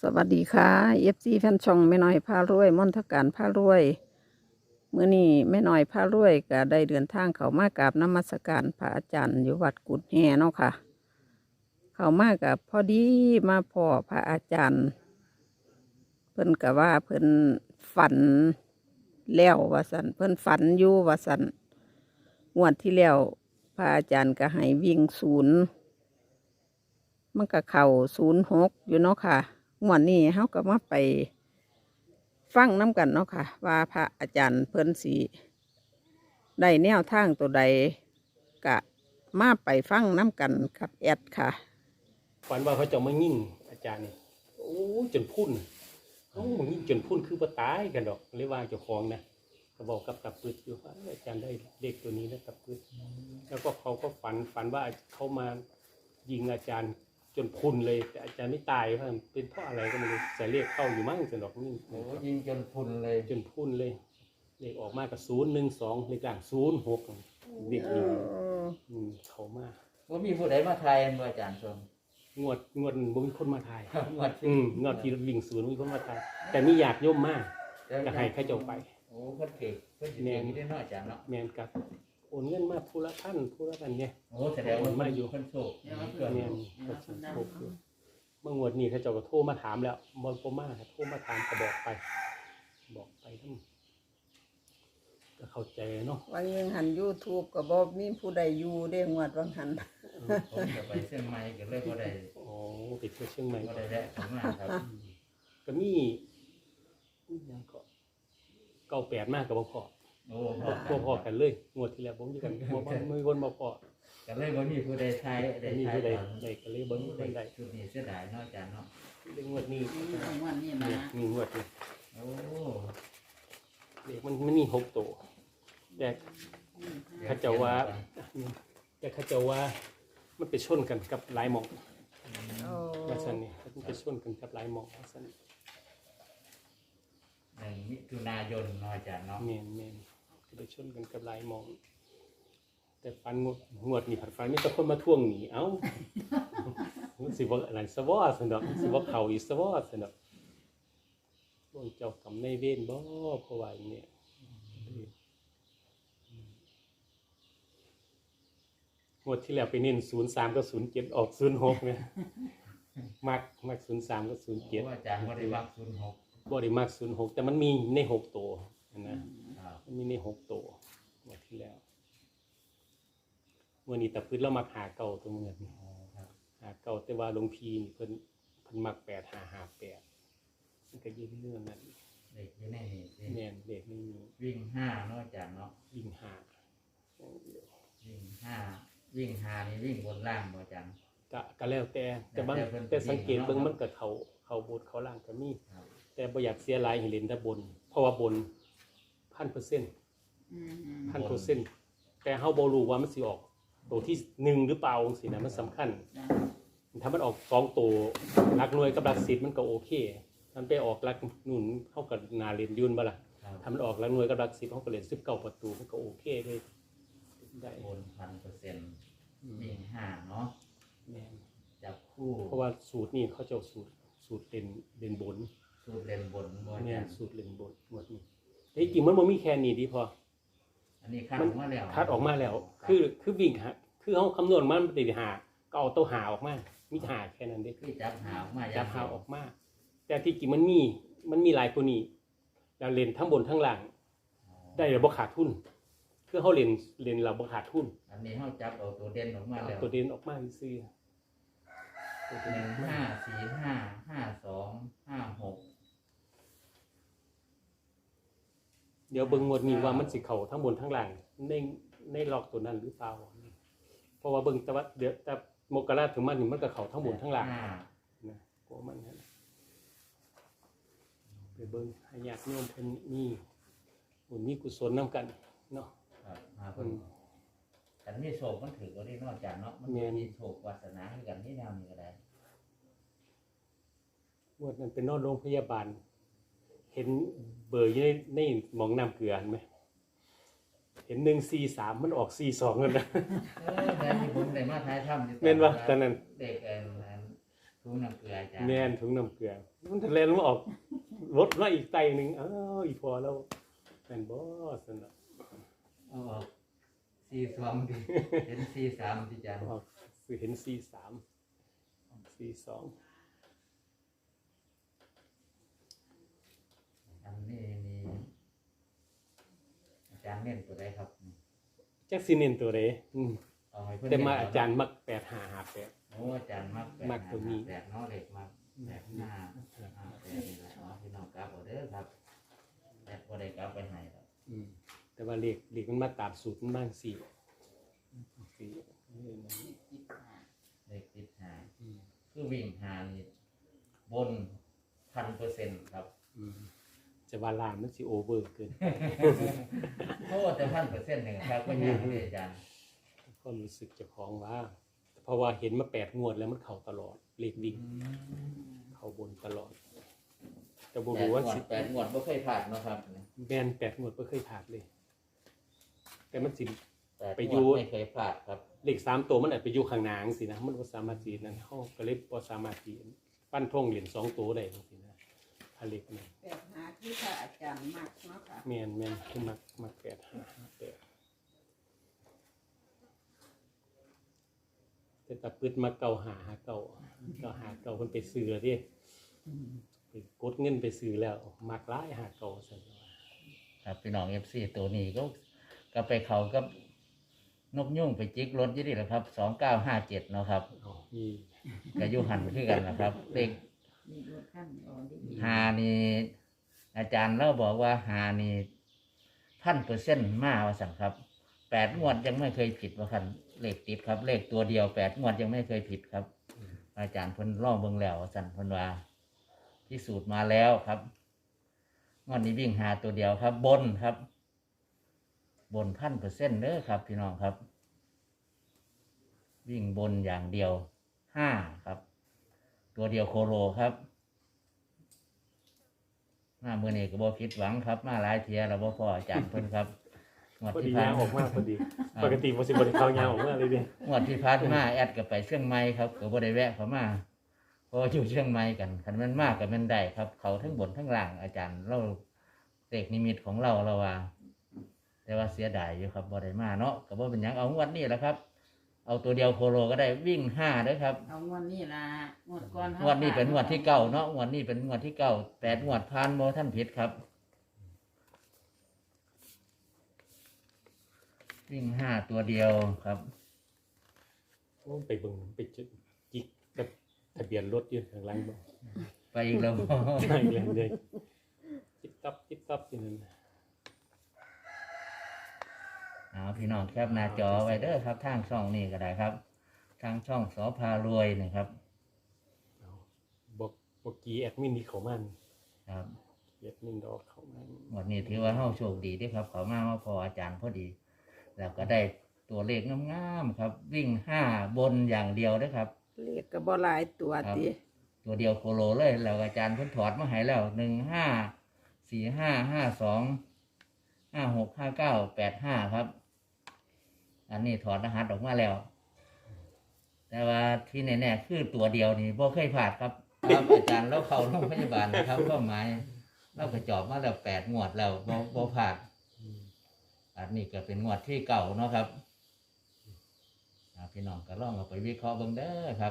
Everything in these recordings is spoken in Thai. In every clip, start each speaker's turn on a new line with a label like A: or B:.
A: สวัสดีค่ะFC แฟนช่องแม่น้อยพารวยมนทการพารวยมื้อนี้แม่น้อยพารวยก็ได้เดินทางเข้ามากราบนมัสการพระอาจารย์อยู่วัดกุดแฮเนาะค่ะ เข้ามากับพอดีมาพ่อพระอาจารย์เพิ่นก็ว่าเพิ่นฝันแล้วว่าสันเพิ่นฝันอยู่ว่าสันงวดที่แล้วพระอาจารย์ก็ให้วิ่งศูนย์มันก็เข้า06อยู่เนาะค่ะงวดนี้เฮาก็มาไปฟังน้ำกันเนาะค่ะว่าพระอาจารย์เพิ่นสิได้แนวทางตัวใดกะมาไปฟังน้ำกันกับแอดค่ะ
B: ฝันว่าเขาจะมายิ่งอาจารย์นี่โอ้จนพุ่นเขามายิ่งจนพุ่นคือบ่ตายกันดอกเลยว่าเจ้าของนะก็บอกกับตับปึดอยู่ว่าอาจารย์ได้เด็กตัวนี้นะตับปึดแล้วก็เขาก็ฝันว่าเขามายิงอาจารย์จนพุ่นเลยแต่อาจารย์ไม่ตายว่าเป็นเพราะอะไรก็ไม่รู้ใส่เลขเข้าอยู่มั่งสนดอกนี่
C: โอ้ยิงจนพุนเลย
B: จนพุ่นเลยเลขออกมากับ012เลขล่าง06เด็กยิงเขามา
C: ว่ามีผู้ใดมาทายอันบ่อาจารย์ชม
B: งวดบ่มีคนมาทาย
C: งวด
B: งวดที่วิ่งศูนย์มีคนมาทายแต่มีอยากโยมมากก็ให้ข้าเจ้าไป
C: โอ้เพิ่นเก่งเพิ่นสิเก่งได้น้อยอาจารย์เนาะ
B: แมนกับโอนเงินมาผู้ละท่านผู้ละกันเนี่ย
C: โอ้แสดงว่ามันอยู่เพิ่นโชค
B: แมนก็สิโชคอยู่เมื่องวดนี้ข้าเจ้าก็โทรมาถามแล้วบ่มาโทรมาถามก็บอกไปทั้งก็เข้าใจเนาะ
A: วันยังหัน YouTube ก็บอกมีผู้ใดอยู่ได้งวดวังหัน
C: ผมจะไปเชียงใหม่ก็เลยบ่ได้
B: โอ้ไปเที่ยวเชียงใหม่
C: บ่ได้แวะเข้ามาครับ
B: ก็มียังก็98มากกับบ่พอ
C: โอ้
B: บ่พอกันเลยงวดที่แล้วบ่มีกันบ่มีคนบ่พอ
C: ก็เลยบ่มีผู้ใดทายได้
B: มี
C: ทาย
B: ผู้ใด
C: ตอน
B: ได้ก็เลยบ่มีคนใด
C: ชุดนี้เสียดายเนาะอาจารย์เนาะ
B: เรื่องงวดนี้
A: วันนี้มา
B: มีงวดนี้
C: โอ้
B: เด็กมันมี6ตัวแต่เขาเจ้าว่ามันไปชนกันกับหลายหม่อง
A: โอ้
B: ว่าซั่นนี่มันไปชนกันกับหลายหม่องว่าซั่น
C: 1 มิถุนายนเนาะอาจารย์เนาะ
B: แม่นก็ไปชนกันกับหลายหม่องแต่ฟันงวดนี้ผัดฟันมีแต่คนมาทวงหนีเอ้า มันสิบ่อันนั้นซะบ่ซั่นดอกมันสิบ่เข้าอีกซะบ่ซั่นดอกพวกเจ้ากรรมนายเวรบ่เพราะว่าอย่างนี้งวดที่แล้วไปเน้น03กับ07ออก06เนี่ยมัก03กับ
C: โอ้
B: 07
C: อาจารย์บ่ได้วัก06
B: บ่ได้มัก06แต่มันมีใน6ตัวนะครับ มันมีใน6ตัวงวดที่แล้ววันนี้ตะพื้นเรามักหาเก่าตัวเงิน
C: อ๋อครับ
B: หาเก่าแต่ว่าหลวงพี่นี่เพิ่นมัก8558มันก็ยืนเรื่องนั้น
C: เด็กอยู่ในนี่สิ
B: แม่นเด็กไม่มี
C: วิ่ง5เนาะอาจารย์เนาะ
B: วิ่งหาอย่างเดียว
C: วิ่ง5นี่วิ่งบนล่างบ่อาจารย์
B: ก็แล้วแต่บาง
C: แล้วแต่เพิ่น
B: แต่สังเกต
C: วิ่งเนาะ
B: เบิ่งมันก็เข้าบนเข้าล่างก็มี
C: ครับ
B: แต่บ่อยากเสียหลายให้เล่นแต่บน เพราะว่าบน 1,000% 1,000%แต่เฮาบ่รู้ว่ามันสิออกตัวที่1หรือเปล่าจังซี่นะมันสำคัญ ถ้ามันออก2ตัวหลักหน่วยกับหลัก10มันก็โอเคมันไปออกหลักนู่นเฮาก็น่าเล่นยุ่นบ่ล่ะ
C: ครับ
B: ถ้ามันออกหลักหน่วยกับหลัก10เฮาก็เล่น19ประตูมันก็โอเคเลยได้
C: บน 1,000% วิ่ง5เนาะ
B: แม่น
C: จับคู่
B: เพราะว่าสูตรนี้เขาเจ้าสูตรเล่นบน
C: สูตรเล่นบนบ่อา
B: แม่
C: จาน รย์
B: สูตรเล่นบนหมดนี้แต่จริงมันบ่มีแค่นี้ดีพอ
C: อันนี้คัด
B: มั
C: อน อกมาแล้ว
B: คัดออกมาแล้ว คือวิ่งหาคือเฮาคำนวณมันติดหาก็เอาตัวหาออกมามีหาแค่นั้นเด้
C: คือจับหาออกมา
B: จับหาออกมา แต่ที่จริงมันมีหลายกว่านี้แล้วเล่นทั้งบนทั้งล่างได้แล้วบ่ขาดทุนคือเฮาเล่นแล้วบ่ขาดทุน
C: อันนี้เฮาจับเอาตัวเด่นออกมา
B: เอา
C: แล้ว
B: ตัวเด่นออกมาซื่อตัวเด่นออกมา
C: 1 5 4 5 5 2 5 6
B: เดี๋ยวเบิ่งงวดนี้ว่ามันสิเข้าทั้งบนทั้งล่างในล็อกตัวนั้นหรือเปล่าเพราะว่าเบิ่งแต่ว่าเดี๋ยวแต่มกราถึงมันนี่มันก็เข้าทั้งบนทั้งล่างนะกลัวมันนั่นไปเบิ่งให้ญาติโยมเพิ่นมีบุญมีกุศลนํกันเนาะ
C: ครับหาเพิ่นกันมีโชคมันถือก็ได้เนอกจากเนาะมัน
B: แม่น
C: มีโชควาสนาคือกันที่แนวนี้ก็ได้
B: งวดนั้นเป็นนอนโรงพยาบาล เห็นเบอร์อยู่ในหมองน้ำเกลือเห็นไหมเห็น143มันออก42นั่นนะ
C: แม่ที่ผมได้มาท้ายถ้ำอยู่
B: แม่นบ่ตอนนั้น
C: เด็กถุงน้ำเกลืออาจารย์
B: แม่นถุงน้ำเกลือมันทะเลนมาออกรถมาอีกไตหนึงอ้าวอีพอแล้วแม่นบ่ซั่นน่ะ
C: เอาออก42ดิเห็น43ที่อาจารย์
B: ออกสิเห็น43 42
C: อันนี้นี่อาจารย์เน้นตัวใดครับ
B: จักสิเน้นตัวใด
C: เอาให้เพิ่น
B: แต่มา
C: เน้น
B: อาจารย์มัก8558
C: โอ้อาจารย์มัก
B: มักตัวนี้
C: 8เนาะเลขมัก85 58นี่แหละเนาะพี่น้องกลับเอาเด้อครับแต่บ่ได้กลับไปให้ครับ
B: แต่ว่าเลขมันมาตามสูตรมันบ้าง4นี่นะ
C: เลขติดหาคือวิ่งหานี่บน 1,000% ครับ
B: จะว่าล่างมันสิโอเวอร์เกิน
C: โอ้แต่1,000%นี่ครับก็ยังเลยอาจารย์
B: ก็รู้สึกเจ้าของว่า เพราะว่าเห็นมา8งวดแล้วมันเข้าตลอดเลขวิ่งเข้าบนตลอดแต่บ่รู้ว่าสิ
C: 8งวดบ่เคยพลาดเนาะครับ
B: แม่น8งวดบ่เคยผ่านเลย แต่มันสิ
C: 8
B: ไปอยู่
C: งวดไม่เคยพลาดครับ
B: เลข3ตัวมันอาจไปอยู่ข้างหน้าจังซี่นะมันบ่สามารถสินั่นเฮาก็เลยบ่สามารถสิฟันธงเหรียญ2ตัวได้จังซี่นะถ้าเลขนั้น
A: แบบหาที่พระอาจารย์มักเนาะค่ะ
B: แม่นคือมัก8558แต่ตาปึดมาเก่าหาเก่าเพิ่นไปซื้อแล้วดิไปกดเงินไปซื้อแล้วมักหลายหาเก่าซั่นว่า
C: ครับพี่น้อง FC ตัวนี้ก็ไปเขากับนกยุ่งไปจิกรถอยู่นี่แหละครับ2957เนาะครับ
B: เอามี
C: ก็อยู่หันคือกันนะครับเลข
A: มีรถขั้นอ่อนดี
C: หานี่อาจารย์เราบอกว่าหานี่1,000%มาว่าสั่นครับ8งวดยังไม่เคยผิดว่าคันเลขติดครับ เลขตัวเดียว8งวดยังไม่เคยผิดครับ อาจารย์เพิ่นลองเบิ่งแล้วว่าสั่นเพิ่นว่าพิสูจน์มาแล้วครับงวดนี้วิ่งหาตัวเดียวครับ บนครับ บน1,000%เด้อครับ พี่น้องครับ วิ่งบนอย่างเดียว5ครับ ตัวเดียวโคโลครับมาเมื่อนี้ก็บ่ผิดหวังครับ มาหลายเทียแล้วบ่พออาจารย์เพิ่นครับงวด
B: พอดี
C: ที่ผ่าย
B: าน งออกมาพอดี ปกติบ่สิบ่ได้เข้ายางออกมาเลยเด้
C: งวดที่ผ่านมาแอดก็ไปเชียงใหม่ครับก็บ่ได้แวะเข้ามาเพราะว่าอยู่เชียงใหม่กันคันมันมากก็แมันได้ครับ เขาทั้งบนทั้งล่างอาจารย์เราเลขนิมิตของเราว่า แต่ว่าเสียดายอยู่ครับบ่ได้มาเนาะก็บ่เป็นหยังเอางวดนี้แหละครับ เอาตัวเดียวโคโลก็ได้วิ่ง5เด้อครับ
A: เอางวดนี้ล่ะงวดก่อน
C: งวดนี้เป็นงวดที่เก้าเนาะงวดนี้เป็นงวดที่เก้า8งวดผ่านบ่ท่านผิดครับ วิ่ง5ตัวเดียวครับ
B: โอ้ไปเบิ่งไปจิกกับทะเบียนรถอยู่ข้างหลังบ่
C: ไปอีกแล้วบ่
B: ใช่เลยจิบตับอยู่นั่น
C: เอาพี่น้องแคปหน้าจอไว้เด้อครับทางช่องนี้ก็ได้ครับ ทางช่องสพารวยนะครับ
B: เอาบ่กี้แอดมินนี่เข้ามานี่
C: ครับ
B: แอดมินดอกเข้ามา
C: วันนี้ถือว่าเฮาโชคดีเด้อครับเขามาพออาจารย์พอดี แล้วก็ได้ตัวเลขงามๆครับ วิ่ง5บนอย่างเดียวเด้อครับ
A: เลขก็บ่หลายตัว
C: ครับ
A: ติ
C: ตัวเดียวโคโลเลยแล้วอาจารย์เพิ่นถอดมาให้แล้ว154552565985ครับ อันนี้ถอดรหัสออกมาแล้ว แต่ว่าที่แน่ๆคือตัวเดียวนี่บ่เคยพลาดครับครับอาจารย์เราเข้าโรงพยาบาลนะครับก็หมายเราก็จอบมาแล้ว8งวดแล้วบ่พลาดอันนี้ก็เป็นงวดที่เก่าเนาะครับพี่น้องก็ลองเอาไปวิเคราะห์เบิ่งเด้อครับ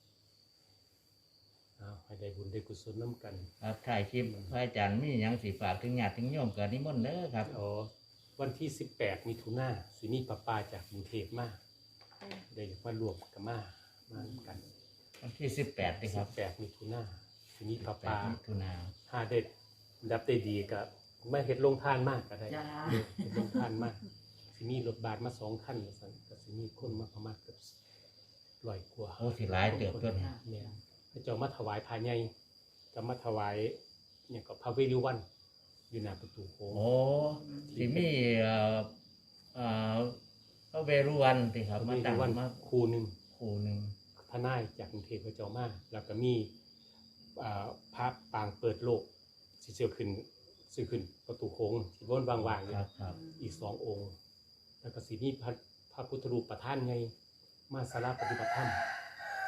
B: เอาให้ได้บุญได้กุศลนํกัน
C: ครับถ่ายคลิปพระอาจารย์มีหยังสิฝากถึงญาติถึงโยมก็นิมนต์เด้อครับ
B: อ๋อวันที่18มิถุนายนสิมีป้าจากกรุงเทพมาได้มารวมกันมากัน
C: วันที่18นี่ครับ
B: 18มิถุนายนสิมีป้า
C: 8มิถุนายน
B: ถ้าได้ดับได้ดีก็ไม่เฮ็ดลงทานมากก็ได้
A: จ้า
B: เฮ็ดลงทานมากสิมีรถบาสมา2คันว่าซั่นก็สิมีคนมาประมาณเกือบ100กว่า
C: โอ้สิหลายเติบตัวนี้
B: แม่นพระเจ้ามาถวายพาใหญ่ก็มาถวายเนี่ยก็พระเวรุวันอยู่หน้าประตูโค้ง
C: โอ้สิมีพระเวรุวันติครับ
B: พระ
C: มา
B: เว
C: ตั้
B: รุ
C: ง
B: วัน
C: มา
B: คู่หนึง
C: คู่หนึง
B: ทนายจากกรุงเทพพระเจ้ามาแล้วก็มีพระปางเปิดโลกสิเสียวขึ้นสิขึ้นประตูโค้งสิวนว่างๆอยู่
C: ครับครับ
B: อีก2องค์ แล้วก็สิมีพระพุทธรูปประธานไงมาสาราปฏิบัติธรรม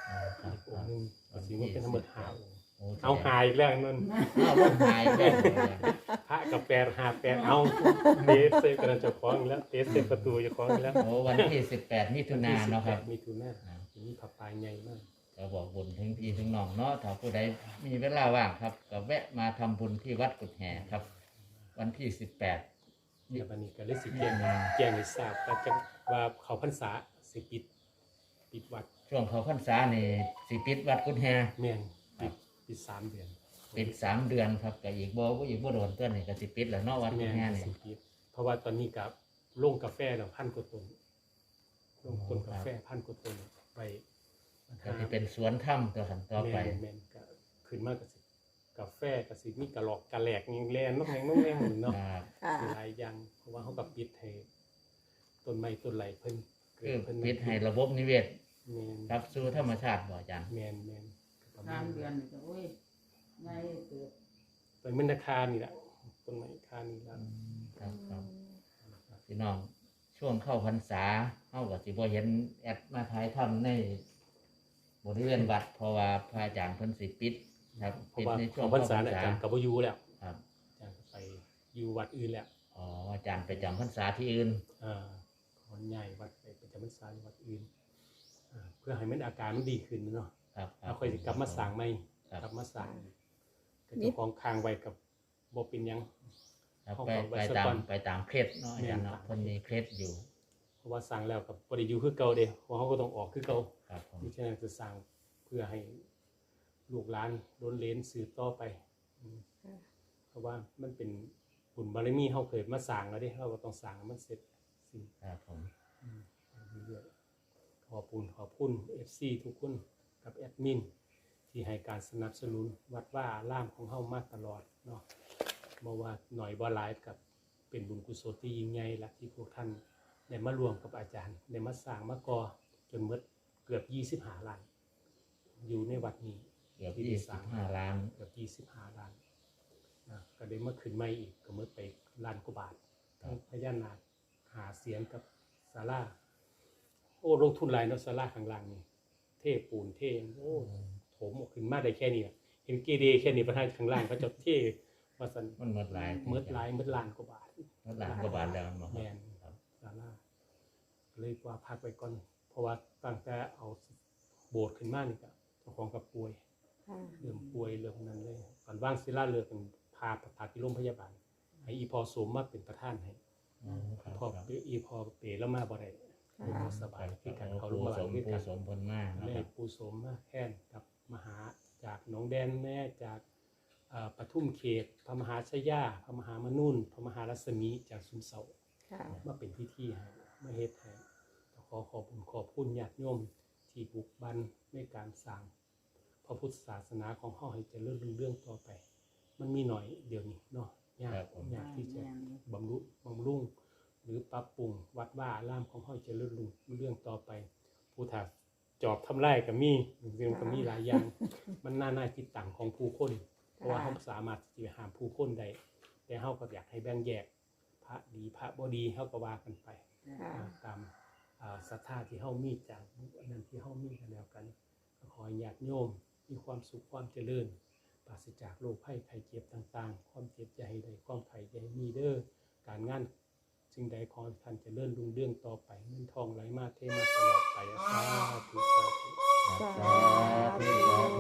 C: ครับค
B: อง
C: รับ
B: ค์หนึงก็สิว่าเป็นทั้งหมด5องค์
C: โอ้
B: เอาหายอีกแล้วนั่น
C: เอาลงหายแล้ว
B: พระกับ8 5 8เอาเตะเซฟกันเจ้าของอีกแล้วเตะเซฟประตูเจ้าของอีกแล้ว
C: โอ้วันที่18มิถุนายนเนาะครับ
B: มีทุนามีผับปลายใหญ่มาก
C: ก็บอกบุญถึงพี่ถึงน้องเนาะถ้าผู้ใดมีเวลาว่างครับก็แวะมาทำบุญที่วัดกุดแห่ครับ วันที่18
B: เดี๋ยววันนี้ก็เลยสิแจ้งให้ทราบว่าเขาพรรษาสิปิดวัด
C: ช่วงเขาพรรษานี่สิปิดวัดกุดแห่
B: แม่นปิด3 เดือน
C: ปิด3 เดือนครับก็อีกบ่โดนเตือนนี่ก็สิปิดแล้วเนาะวัดกุ
B: แม่
C: ดแห่
B: น
C: นี่
B: สิปิดเพราะว่าตอนนี้กับลงกาแฟแล้ว1,000 กว่าต้นลงต้นกาแฟ1,000 กว่าต้นไป
C: ก็สิเป็นสวนถ้ำตัวขันต่อไป
B: แม่นก็ขึ้นมากกับสิกาแฟกับสิมีกระหลอกกระแหลกยังแลนน้องแหงน้องแหงหนึ่งเนาะ
C: ครับ
A: ค่ะ
B: มีหลายอย่างเพราะว่าเขากับปิดให้ต้นไม้ต้นไหลเพิ่นเกิ
C: คือ
B: เพิ่น
C: ปิดให้ระบบนิเวศ
B: แม่น
C: รับสู่ธรรมชาติบ่อาจารย์
B: แม่นประมาณ
D: 3 เดือนนี่ก็โอ้ยใหญ่เกิด
B: ต้นไม้นาคานี่แหละต้นไม้คานี่แหละ
C: ครับครับพี่น้องช่วงเข้าพรรษาเฮาก็สิบ่เห็นแอดมาถ่ายทำในบริเวณวัดเพราะว่าพระอาจารย์เพิ่นสิปิดครับ
B: เพ
C: ปิ
B: ราะ
C: ด
B: ว่า
C: ในช่ว
B: ของ งพรรษาเนี่ยอาจารย์กับบ่อยู่แล้ว
C: ครับ
B: อาจารย์ก็ไปอยู่วัดอื่นแล้ว
C: อ๋ออาจารย์ไปจำพรรษาที่อื่น
B: ขอใหญ่วัดไปประจำพรรษาอยู่วัดอื่นเพื่อให้มันอาการมันดีขึ้นเนาะ
C: ครับ
B: เราค่อยสิกลับมาสั่งใหม่
C: ครับ
B: กลับมาสั่งก็เจ้าของค้างไว้กับบ่เป็นหยัง
C: ครับ
B: เขา
C: ไป
B: ก็ไว้
C: ไป
B: สัก
C: ตาม
B: วัน
C: ไปตามเคล็ดเนาะอาจารย์เนาะ
B: แม่น
C: เพิ่นมีเคล็ดอยู่
B: เพราะว่าสั่งแล้วกับบ่ได้อยู่คือเก่าเด้เพราะเขาก็ต้องออกคือเก่า
C: ครับผม
B: มิฉะนั้นจะสั่งเพื่อให้ลูกหลานล้นเลนสืบต่อไปเพราะว่ามันเป็นบุญบารมีเขาเคยมาสั่งแล้วเด้เขาก็ต้องสั่งให้มันเสร็จสิ้น
C: ครับผม
B: เรื่อยๆขอบคุณ FC ทุกคนกับแอดมินที่ให้การสนับสนุนวัดว่าล่ามของเฮามาตลอดเนาะบ่ว่าหน่อยบ่หลายกับเป็นบุญกุศลที่ยิ่งใหญ่ละที่พวกท่านได้มารวมกับอาจารย์ได้มาสร้างมาก่อจนหมดเกือบ25ล้านอยู่ในวัดนี้
C: เกือบ
B: ที่ได้สร้าง
C: 25 ล้าน
B: เกือบ25ล้านนะก็ได้มาขึ้นใหม่อีกก็หมดไปล้านกว่าบาททั้งพญานาคหาเสียงกับศาลาโอ้ลงทุนหลายเนาะศาลาข้างล่างนี่เทปูนเทโอ้โถมออกขึ้นมาได้แค่นี้อะเห็นเกเรแค่นี้ประธานข้างล่างเขาจะเทว่าซั่น
C: มันหมดหลาย
B: หมดหลายหมดล้านกว่าบาท
C: หมดล้านกว่าบาทแล้วเนาะ
B: แม่น
C: ครับ
B: ศาลาเลยว่าพักไว้ก่อนเพราะว่าตั้งแต่เอาโบสถ์ขึ้นมานี่ก็เจ้าของกับป่วย เริ่มป่วยเรื่องนั้นเลยก่อนว่างศิลาเลือกเป็นพาที่โรงพยาบาลให้อีพอสมมาเป็นประธานให้
C: อ๋อครับ
B: พอ
C: ครับ
B: อีพอเปแล้วมาบ่ได้บ่สบายคือกันเขาลงมาหลังคือ
C: ผู้
B: กัน
C: สมผลมากนะ
B: เล
C: ครั
B: ย
C: บ
B: ปูสมมาแค้นกับมหาจากหนองแดนแม่จากปทุมเขตพระมหาชยาพระมหามนุ่นพระมหารัศมีจากสุมเสา
A: ค่ะ
B: มาเป็นพิธีให้มาเฮ็ดให้ขอขอบคุณญาติโยมที่บุกบันในการสร้างพระพุทธศาสนาของเฮาให้เจริญรุ่งเรืองต่อไป มันมีหน่อยเดี๋ยวนี้เนาะยากที่จะบำรุงหรือปรับปรุงวัดว่าอารามของเฮาเจริญรุ่งเรืองต่อไป ผู้ถ้าจอบทำลายก็มีจริงๆก็มีหลายอย่าง มันน่าคิดต่างของผู้คนเพราะว่าเฮาสามารถที่จะห้ามผู้คนได้แต่เฮาก็อยากให้แบ่งแยกพระดีพระบ่ดีเฮาก็ว่ากันไป ตามศรัทธาที่เฮามีจากอันนั้นที่เฮามีกันแล้วกันก็ขอให้ญาติโยมมีความสุขความเจริญปราศจากโรคภัยไข้เจ็บต่างๆ ความเจ็บอย่าให้ได้ความไข้อย่าให้มีเด้อการงานสิ่งใดขอให้ท่านเจริญรุ่งเรืองต่อไปเงินทองไหลมาเทมาตลอดไปสาธุสาธุ
C: สาธุสาธุ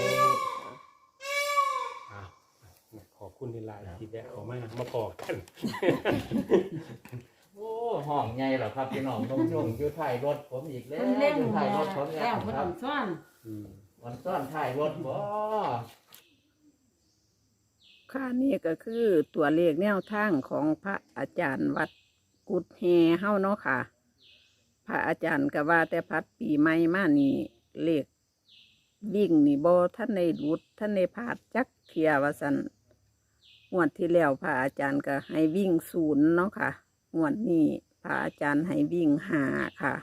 B: ขอบคุณในหลายที่แวะเข้ามาพอกัน
C: โอ้ห้องใหญ่เหรอครับพี่น้องนุ่มๆอยู่ท้ายรถผมอีกแล้ว
D: เพิ่นเล่ง
C: อยู่
D: แล้
C: ท้ายว รถผม
D: แล้ว
C: ค
D: เพิ่น
C: รั
D: ต้
C: บ
D: องซ่อน
C: วันซ่อนท้ายรถบ่
A: ค่ะนี่ก็คือตัวเลขแนวทางของพระอาจารย์วัดกุดแฮเฮาเนาะค่ะ พระอาจารย์ก็ว่าแต่พัดปีใหม่มานี่เลขวิ่งนี่บ่ท่านในรุดท่านในพลาดจักเทียว่าสันงวดที่แล้วพระอาจารย์ก็ให้วิ่ง0เนาะค่ะงวดนี้พระอาจารย์ให้วิ่ง5ค่ะ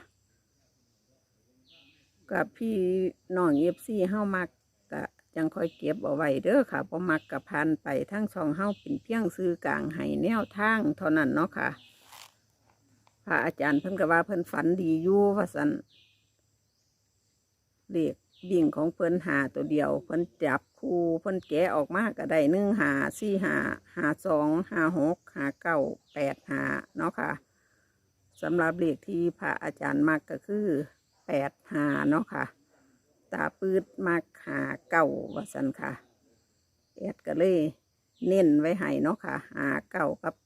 A: กับพี่น้องFCเฮามักก็จังค่อยเก็บเอาไว้เด้อค่ะบ่มักกับพันไปทั้งช่องเฮาเป็นเพียงซื้อกลางให้แนวทางเท่านั้นเนาะค่ะ พระอาจารย์เพิ่นก็ว่าเพิ่นฝันดีอยู่ว่าซั่นเลขวิ่งของเพิ่นหาตัวเดียวเพิ่นจับคู่เพิ่นแกะออกมาก็ได้1 5 4 5 5 2 5 6 5 9 8 5เนาะค่ะสำหรับเลขที่พระอาจารย์มักก็คือ8 5เนาะค่ะตาปืดมัก5 9ว่าซั่นค่ะแอดก็เลยเน้นไว้ให้เนาะค่ะ5 9กับ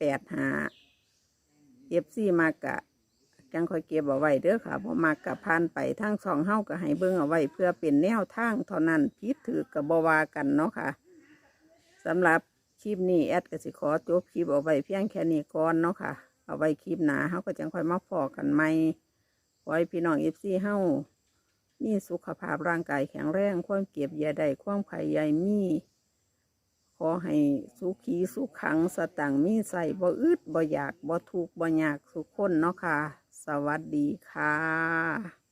A: 8 5FC มากกะจังค่อยเก็บเอาไว้เด้อค่ะบ่มากกะผ่านไปทางช่องเฮาก็ให้เบิ่งเอาไว้เพื่อเป็นแนวทางเท่านั้นผิดถือก็บ่ว่ากันเนาะค่ะสำหรับคลิปนี้แอดก็สิขอจบคลิปเอาไว้เพียงแค่นี้ก่อนเนาะค่ะเอาไว้คลิปหน้าเฮาก็จังค่อยมาพอกันใหม่ขอให้พี่น้อง FC เฮามีสุขภาพร่างกายแข็งแรงความเก็บอย่าได้ความไข่ใหญ่มีขอให้สุขีสุขขังสตังค์มีใส่บ่อึดบ่อยากบ่ทุกข์บ่ยากสุขคนเนาะค่ะสวัสดีค่ะ